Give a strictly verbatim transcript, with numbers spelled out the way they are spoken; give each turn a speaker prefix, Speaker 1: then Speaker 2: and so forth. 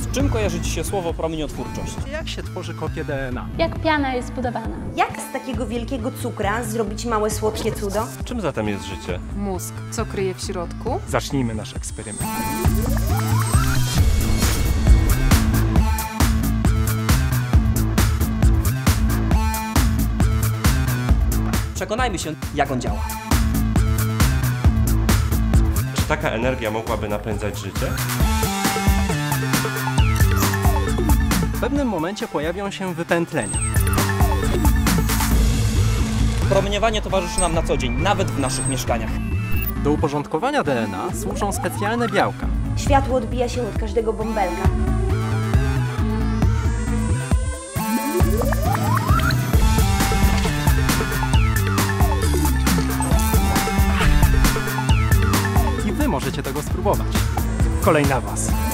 Speaker 1: Z czym kojarzy Ci się słowo promieniotwórczość?
Speaker 2: Jak się tworzy kopię D N A?
Speaker 3: Jak piana jest zbudowana?
Speaker 4: Jak z takiego wielkiego cukra zrobić małe, słodkie cudo?
Speaker 5: Czym zatem jest życie?
Speaker 6: Mózg. Co kryje w środku?
Speaker 2: Zacznijmy nasz eksperyment.
Speaker 1: Przekonajmy się, jak on działa.
Speaker 5: Czy taka energia mogłaby napędzać życie?
Speaker 2: W pewnym momencie pojawią się wypętlenia.
Speaker 1: Promieniowanie towarzyszy nam na co dzień, nawet w naszych mieszkaniach.
Speaker 2: Do uporządkowania D N A służą specjalne białka.
Speaker 4: Światło odbija się od każdego bąbelka.
Speaker 2: I Wy możecie tego spróbować. Kolej na Was.